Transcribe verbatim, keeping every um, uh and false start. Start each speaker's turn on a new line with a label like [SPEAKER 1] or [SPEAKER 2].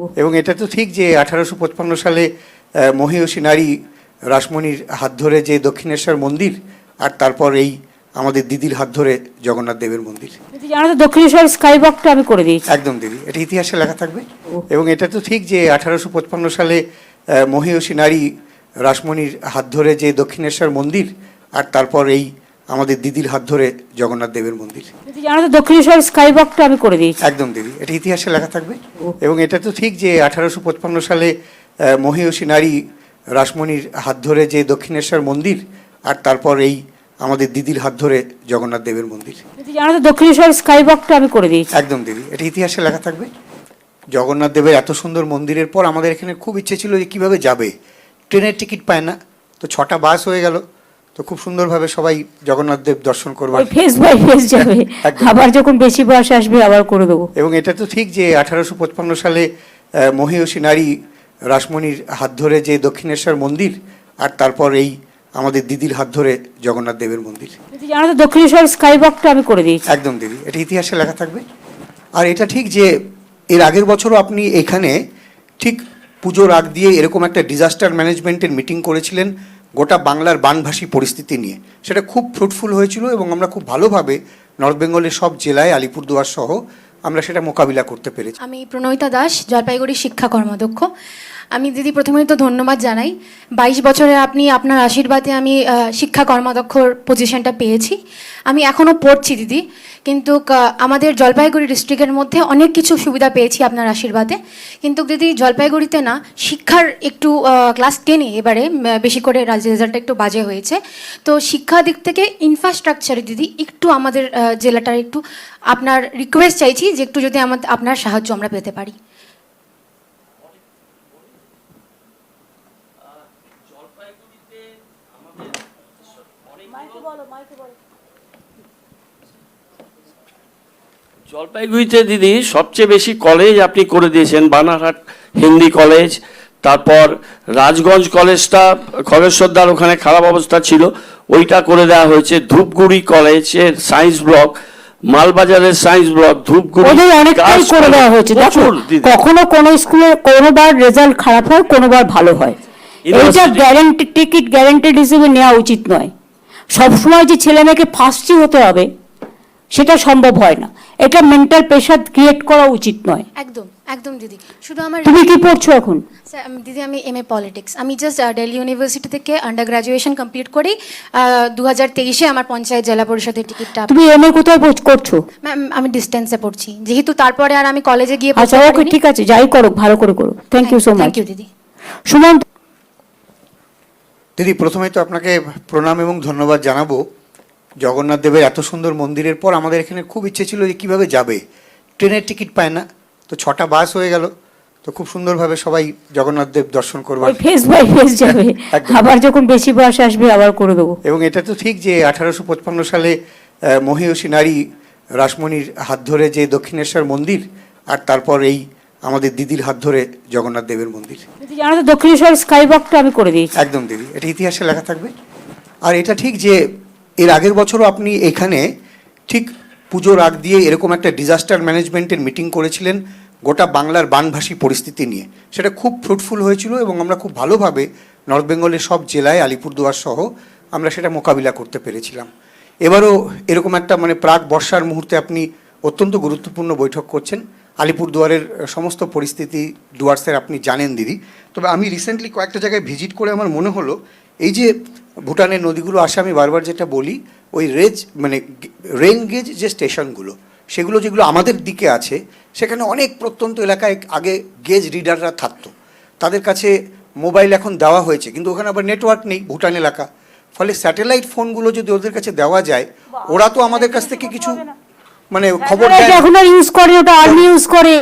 [SPEAKER 1] এবং এটা তো ঠিক যে আঠারোশো পঁচপান্ন সালে মহিষী নারী রাসমণির হাত ধরে যে দক্ষিণেশ্বর মন্দির, আর তারপর এই আমাদের দিদির হাত ধরে জগন্নাথ দেবের মন্দির।
[SPEAKER 2] জানো তো দক্ষিণেশ্বর স্কাইওয়াকটা আমি করে দিয়েছি।
[SPEAKER 1] একদম দিদি, এটা ইতিহাসে লেখা থাকবে। এবং এটা তো ঠিক যে আঠারোশো পঁচপান্ন সালে মহিষী নারী রাসমণির হাত ধরে যে দক্ষিণেশ্বর মন্দির, আর তারপর এই আমাদের দিদির হাত ধরে জগন্নাথ দেবের মন্দির।
[SPEAKER 2] জানো তো দক্ষিণেশ্বর স্কাইওয়াকটা আমি করে দিয়েছি।
[SPEAKER 1] একদম দিদি, এটা ইতিহাসে লেখা থাকবে। এবং এটা তো ঠিক যে আঠারোশো পঁচপান্ন সালে মহিষী নারী রাসমণির হাত ধরে যে দক্ষিণেশ্বর মন্দির, আর তারপর এই আমাদের দিদির হাত ধরে জগন্নাথ দেবের মন্দির।
[SPEAKER 2] জানো তো দক্ষিণেশ্বর স্কাইওয়াকটা আমি করে দিয়েছি।
[SPEAKER 1] একদম দিদি, এটা ইতিহাসে লেখা থাকবে। জগন্নাথ দেবের এত সুন্দর মন্দিরের পর আমাদের এখানে খুব ইচ্ছে ছিল যে কীভাবে যাবে, ট্রেনের টিকিট পায় না, তো ছটা বাস হয়ে গেল, তো খুব সুন্দরভাবে সবাই জগন্নাথ দেব দর্শন করবার
[SPEAKER 2] ফেস বাই ফেস যাবে, আবার যখন বেশি বাস আসবে আবার করে দেবো।
[SPEAKER 1] এবং এটা তো ঠিক যে আঠারোশো পঁচপান্ন সালে মহিষী নারী রাসমণির হাত ধরে যে দক্ষিণেশ্বর মন্দির, আর তারপর এই আমাদের দিদির হাত ধরে জগন্নাথ দেবের মন্দির।
[SPEAKER 2] জানো তো দক্ষিণেশ্বর স্কাইওয়াকটা আমি করে দিয়েছি।
[SPEAKER 1] একদম দিদি, এটা ইতিহাসে লেখা থাকবে। আর এটা ঠিক যে এর আগের বছরও আপনি এখানে ঠিক পুজোর আগ দিয়ে এরকম একটা ডিজাস্টার ম্যানেজমেন্টের মিটিং করেছিলেন গোটা বাংলার বানভাসী পরিস্থিতি নিয়ে। সেটা খুব ফ্রুটফুল হয়েছিল এবং আমরা খুব ভালোভাবে নর্থ বেঙ্গলের সব জেলায় আলিপুরদুয়ার সহ আমরা সেটা মোকাবিলা করতে পেরেছি।
[SPEAKER 3] আমি প্রণয়িতা দাস, জলপাইগুড়ি শিক্ষা কর্মাধ্যক্ষ। আমি দিদি প্রথমেই তো ধন্যবাদ জানাই, বাইশ বছরে আপনি আপনার আশীর্বাদে আমি শিক্ষা কর্মাধ্যক্ষর পজিশনটা পেয়েছি। আমি এখনও পড়ছি দিদি, কিন্তু আমাদের জলপাইগুড়ি ডিস্ট্রিক্টের মধ্যে অনেক কিছু সুবিধা পেয়েছি আপনার আশীর্বাদে। কিন্তু দিদি জলপাইগুড়িতে না শিক্ষার একটু ক্লাস টেনে এবারে বেশি করে রেজাল্টটা একটু বাজে হয়েছে। তো শিক্ষা দিক থেকে ইনফ্রাস্ট্রাকচারে দিদি একটু আমাদের জেলাটার একটু আপনার রিকোয়েস্ট চাইছি যে একটু যদি আমাদের আপনার সাহায্য আমরা পেতে পারি।
[SPEAKER 4] জলপাইগুড়িতে দিদি সবচেয়ে বেশি কলেজ আপনি করে দিয়েছেন, বানারহাট হিন্দি কলেজ, তারপর রাজগঞ্জ কলেজটা খগেশ্বরদার ওখানে খারাপ অবস্থা ছিল, ওইটা করে দেওয়া হয়েছে। ধূপগুড়ি কলেজের সায়েন্স ব্লক, মালবাজারের সায়েন্স ব্লক, ধূপগুড়ি
[SPEAKER 2] ওদের অনেকটাই করে দেওয়া হয়েছে। কখনো কোনো স্কুলে কোনোবার রেজাল্ট খারাপ হয়, কোনোবার ভালো হয়। এইটা গ্যারান্টি টিকিট গ্যারান্টেড হিসেবে নেওয়া উচিত নয়। সবসময় যে ছেলে মেয়েকে ফার্স্টই হতে হবে সেটা সম্ভব হয় না। এটা মেন্টাল প্রেশার ক্রিয়েট করা উচিত নয়।
[SPEAKER 3] একদম একদম দিদি। শুধু আমার
[SPEAKER 2] তুমি কি পড়ছো এখন?
[SPEAKER 3] দিদি আমি এম এ পলিটিক্স, আমি জাস্ট দিল্লি ইউনিভার্সিটি থেকে আন্ডার গ্রাজুয়েশন কমপ্লিট করি। দু হাজার তেইশে আমার পঞ্চায়েত জেলা পরিষদের টিকিটটা।
[SPEAKER 2] তুমি এম এ কোথায় করছো?
[SPEAKER 3] ম্যাম আমি ডিস্টেন্সে পড়ছি, যেহেতু তারপরে আর আমি কলেজে গিয়ে।
[SPEAKER 2] আচ্ছা ওকে, ঠিক আছে, যাই করো ভালো করে করো। Thank you so much.
[SPEAKER 3] Thank you দিদি।
[SPEAKER 2] সুমন
[SPEAKER 1] দিদি প্রথমেই তো আপনাকে প্রণাম এবং ধন্যবাদ জানাবো। জগন্নাথ দেবের এত সুন্দর মন্দিরের পর আমাদের এখানে খুব ইচ্ছে ছিল যে কীভাবে যাবে, ট্রেনের টিকিট পায় না, তো ছটা বাস হয়ে গেল, তো খুব সুন্দরভাবে সবাই জগন্নাথ দেব দর্শন করবার
[SPEAKER 2] ফেস বাই ফেস যাবে, আবার যখন বেশি বাস আসবে আবার করে দেবো।
[SPEAKER 1] এবং এটা তো ঠিক যে আঠারোশো পঁচপান্ন সালে মহিষী নারী রাসমণির হাত ধরে যে দক্ষিণেশ্বর মন্দির, আর তারপর এই আমাদের দিদির হাত ধরে জগন্নাথ দেবের মন্দির।
[SPEAKER 2] জানো তো দক্ষিণেশ্বর স্কাইওয়াকটা আমি করে দিয়েছি।
[SPEAKER 1] একদম দিদি, এটা ইতিহাসে লেখা থাকবে। আর এটা ঠিক যে এর আগের বছরও আপনি এখানে ঠিক পুজোর আগ দিয়ে এরকম একটা ডিজাস্টার ম্যানেজমেন্টের মিটিং করেছিলেন গোটা বাংলার বানভাসী পরিস্থিতি নিয়ে। সেটা খুব ফ্রুটফুল হয়েছিল এবং আমরা খুব ভালোভাবে নর্থ বেঙ্গলের সব জেলায় আলিপুরদুয়ার সহ আমরা সেটা মোকাবিলা করতে পেরেছিলাম। এবারও এরকম একটা মানে প্রাক বর্ষার মুহূর্তে আপনি অত্যন্ত গুরুত্বপূর্ণ বৈঠক করছেন। আলিপুরদুয়ারের সমস্ত পরিস্থিতি ডুয়ার্সের আপনি জানেন দিদি। তবে আমি রিসেন্টলি কয়েকটা জায়গায় ভিজিট করে আমার মনে হলো এই যে ভুটানের নদীগুলো আসে, আমি বারবার যেটা বলি ওই রেজ মানে রেন গেজ যে স্টেশনগুলো সেগুলো যেগুলো আমাদের দিকে আছে, সেখানে অনেক প্রত্যন্ত এলাকায় আগে গেজ রিডাররা থাকতো, তাদের কাছে মোবাইল এখন দেওয়া হয়েছে, কিন্তু ওখানে আবার নেটওয়ার্ক নেই ভুটান এলাকা। ফলে স্যাটেলাইট ফোনগুলো যদি ওদের কাছে দেওয়া যায়, ওরা তো আমাদের কাছ থেকে কিছু মানে খবর
[SPEAKER 2] এখন আর ইউজ করে, ওটা আর্মি ইউজ করে।